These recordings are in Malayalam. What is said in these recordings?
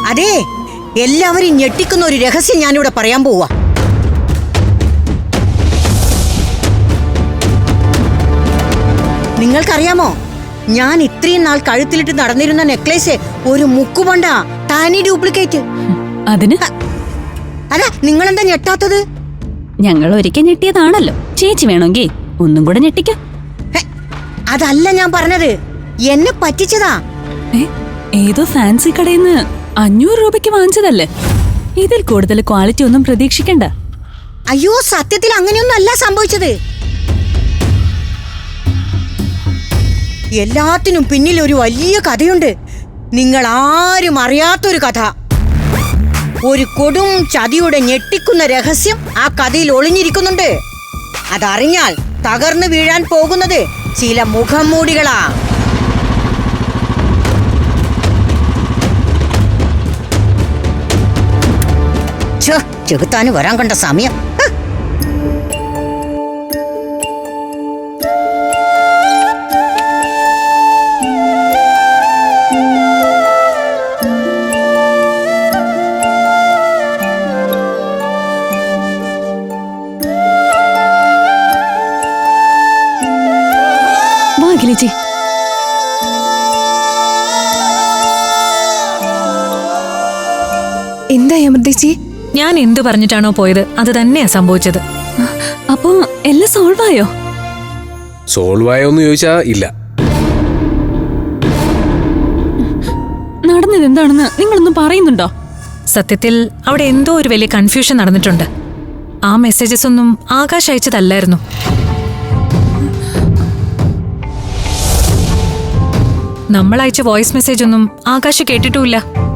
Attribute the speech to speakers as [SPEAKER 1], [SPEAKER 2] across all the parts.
[SPEAKER 1] അതെ, എല്ലാവരും ഞെട്ടിക്കുന്ന ഒരു രഹസ്യം ഞാനിവിടെ പറയാൻ പോവാ. നിങ്ങൾക്കറിയാമോ, ഞാൻ ഇത്രയും നാൾ കഴുത്തിലിട്ട് നടന്നിരുന്ന നെക്ലേസ് ഒരു മുക്കുകൊണ്ട തനി ഡ്യൂപ്ലിക്കേറ്റ്.
[SPEAKER 2] അതിന്
[SPEAKER 1] അല്ല, നിങ്ങളെന്താ ഞെട്ടാത്തത്?
[SPEAKER 2] ഞങ്ങൾ ഒരിക്കൽ ഞെട്ടിയതാണല്ലോ. ചേച്ചി വേണമെങ്കിൽ ഒന്നും കൂടെ ഞെട്ടിക്കോ.
[SPEAKER 1] അതല്ല ഞാൻ പറഞ്ഞത്, എന്നെ പറ്റിച്ചതാ.
[SPEAKER 2] ഏതോ ഫാൻസി കടയിൽ നിന്ന് 500 രൂപയ്ക്ക് വാങ്ങിച്ചതല്ലേ? ഇതിൽ കൂടുതൽ ക്വാളിറ്റി ഒന്നും പ്രതീക്ഷിക്കണ്ട.
[SPEAKER 1] അയ്യോ, സത്യത്തിൽ അങ്ങനെയൊന്നും അല്ല സംഭവിച്ചത്. എല്ലാത്തിനും പിന്നിൽ ഒരു വലിയ കഥയുണ്ട്. നിങ്ങൾ ആരും അറിയാത്തൊരു കഥ. ഒരു കൊടും ചതിയുടെ ഞെട്ടിക്കുന്ന രഹസ്യം ആ കഥയിൽ ഒളിഞ്ഞിരിക്കുന്നുണ്ട്. അതറിഞ്ഞാൽ തകർന്നു വീഴാൻ പോകുന്നത് ചില മുഖംമൂടികളാ. ചെകുത്താന് വരാൻ കണ്ട സമയം.
[SPEAKER 2] ചേച്ചി,
[SPEAKER 3] എന്താ അമൃതേച്ചി?
[SPEAKER 4] ഞാൻ എന്തു പറഞ്ഞിട്ടാണോ പോയത് അത് തന്നെയാ സംഭവിച്ചത്.
[SPEAKER 2] അപ്പോ എല്ലാം സോൾവ് ആയോ?
[SPEAKER 5] സോൾവ് ആയോന്ന് ചോദിച്ചാ ഇല്ല.
[SPEAKER 2] നടന്നത് എന്താണെന്ന് നിങ്ങളൊന്നും പറയുന്നുണ്ടോ?
[SPEAKER 4] സത്യത്തിൽ അവിടെ എന്തോ ഒരു വലിയ കൺഫ്യൂഷൻ നടന്നിട്ടുണ്ട്. ആ മെസ്സേജസ് ഒന്നും ആകാശ് അയച്ചതല്ലായിരുന്നു. നമ്മൾ അയച്ച വോയിസ് മെസ്സേജ് ഒന്നും ആകാശ് കേട്ടിട്ടുമില്ല.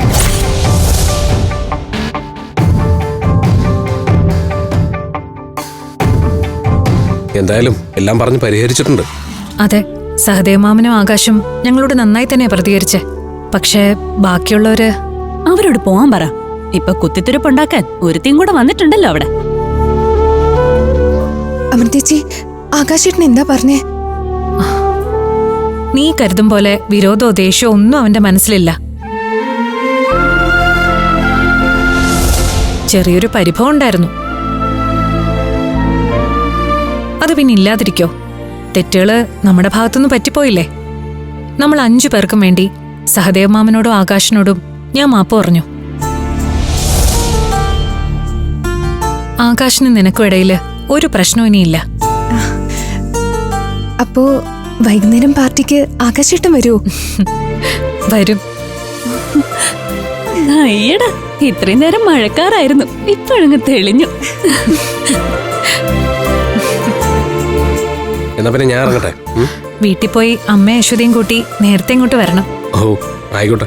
[SPEAKER 5] എന്തായാലും എല്ലാം പറഞ്ഞ് പരിഹരിച്ചിട്ടുണ്ട്.
[SPEAKER 4] അതെ, സഹദേവമാമനും ആകാശും ഞങ്ങളോട് നന്നായി തന്നെ പ്രതികരിച്ചേ. പക്ഷേ ബാക്കിയുള്ളവര്
[SPEAKER 2] അവരോട് പോവാൻ പറ. ഇപ്പൊ കുത്തിത്തിരിപ്പുണ്ടാക്കാൻ ഒരുത്തിയും കൂടെ വന്നിട്ടുണ്ടല്ലോ അവിടെ.
[SPEAKER 3] അമൃതേച്ചി, ആകാശേട്ടൻ എന്താ പറഞ്ഞേ?
[SPEAKER 4] നീ കരുതും പോലെ വിരോധമോ ദേഷ്യമോ ഒന്നും അവന്റെ മനസ്സിലില്ല. ചെറിയൊരു പരിഭവം ഉണ്ടായിരുന്നു. അത് പിന്നെ ഇല്ലാതിരിക്കോ? തെറ്റുകള് നമ്മുടെ ഭാഗത്തുനിന്ന് പറ്റിപ്പോയില്ലേ? നമ്മൾ 5 പേർക്കും വേണ്ടി സഹദേവമാമനോടും ആകാശിനോടും ഞാൻ മാപ്പ് പറഞ്ഞു. ആകാശിന് നിനക്കും ഇടയില് ഒരു പ്രശ്നവും ഇനിയില്ല.
[SPEAKER 3] അപ്പോ വൈകുന്നേരം പാർട്ടിക്ക് ആകാശേട്ടൻ വരുമോ?
[SPEAKER 4] വരും.
[SPEAKER 2] അയ്യടാ, ഇത്രയും നേരം മഴക്കാറായിരുന്നു, ഇപ്പോഴങ്ങ് തെളിഞ്ഞു.
[SPEAKER 5] എന്നാ പിന്നെ ഞാൻ ഇറങ്ങട്ടെ.
[SPEAKER 4] വീട്ടിൽ പോയി അമ്മയും അശ്വതിയും കൂട്ടി നേരത്തെ ഇങ്ങോട്ട് വരണം.
[SPEAKER 5] ഓ, ആയിക്കോട്ടെ.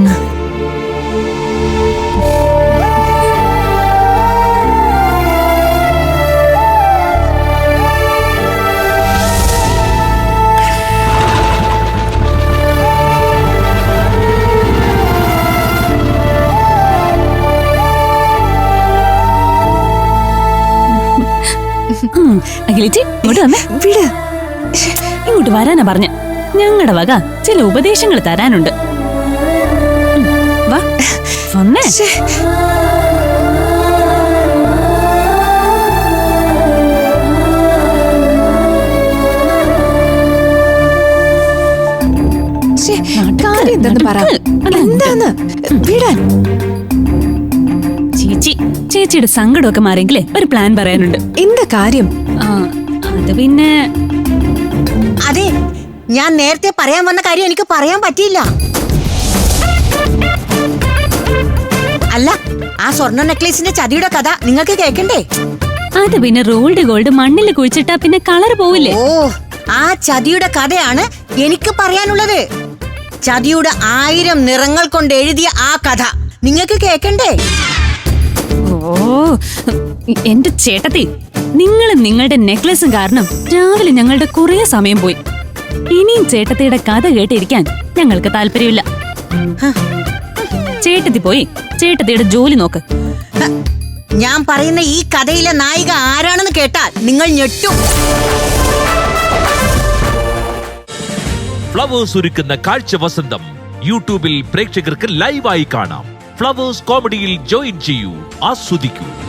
[SPEAKER 2] അഖിലേച്ചി, ഇങ്ങോട്ട് വന്നേ.
[SPEAKER 3] വിട്.
[SPEAKER 2] ഇങ്ങോട്ട് വരാനാ പറഞ്ഞ. ഞങ്ങളുടെ വക ചില ഉപദേശങ്ങൾ തരാനുണ്ട്. വാ വന്നേ.
[SPEAKER 3] കാര്യം എന്തെന്ന് പറ. എന്താന്ന് വിടാൻ?
[SPEAKER 2] ചേച്ചിയുടെ സങ്കടമൊക്കെ മാറിയെങ്കിലേ ഒരു പ്ലാൻ പറയാനുണ്ട്.
[SPEAKER 3] എന്താ കാര്യം?
[SPEAKER 2] അത് പിന്നെ
[SPEAKER 1] അതെ, ഞാൻ നേരത്തെ പറയാൻ വന്ന കാര്യം എനിക്ക് പറയാൻ പറ്റിയില്ല. അല്ല, ആ സ്വർണ്ണ നെക്ലേസിന്റെ ചതിയുടെ കഥ നിങ്ങൾക്ക് കേൾക്കണ്ടേ?
[SPEAKER 2] അത് പിന്നെ റോൾഡ് ഗോൾഡ് മണ്ണിൽ കുഴിച്ചിട്ടാ പിന്നെ കളർ പോവില്ലേ?
[SPEAKER 1] ഓ, ആ ചതിയുടെ കഥയാണ് എനിക്ക് പറയാനുള്ളത്. ചതിയുടെ 1000 നിറങ്ങൾ കൊണ്ട് എഴുതിയ ആ കഥ നിങ്ങൾക്ക് കേൾക്കണ്ടേ?
[SPEAKER 2] ഓ എന്റെ ചേട്ടത്തി, നിങ്ങളും നിങ്ങളുടെ നെക്ലസും കാരണം രാവിലെ ഞങ്ങളുടെ കുറെ സമയം പോയി. ഇനിയും ചേട്ടത്തിയുടെ കഥ കേട്ടിരിക്കാൻ ഞങ്ങൾക്ക് താല്പര്യമില്ല. ചേട്ടത്തി പോയി ചേട്ടത്തിയുടെ ജോലി നോക്ക്.
[SPEAKER 1] ഞാൻ പറയുന്ന ഈ കഥയിലെ നായിക ആരാണെന്ന് കേട്ടാൽ നിങ്ങൾ ഞെട്ടും.
[SPEAKER 6] ഫ്ലവേഴ്സ് ഒരുക്കുന്ന കാഴ്ച വസന്തം യൂട്യൂബിൽ പ്രേക്ഷകർക്ക് ലൈവായി കാണാം. ഫ്ലവേഴ്സ് കോമഡിയിൽ ജോയിൻ ചെയ്യൂ, ആസ്വദിക്കൂ.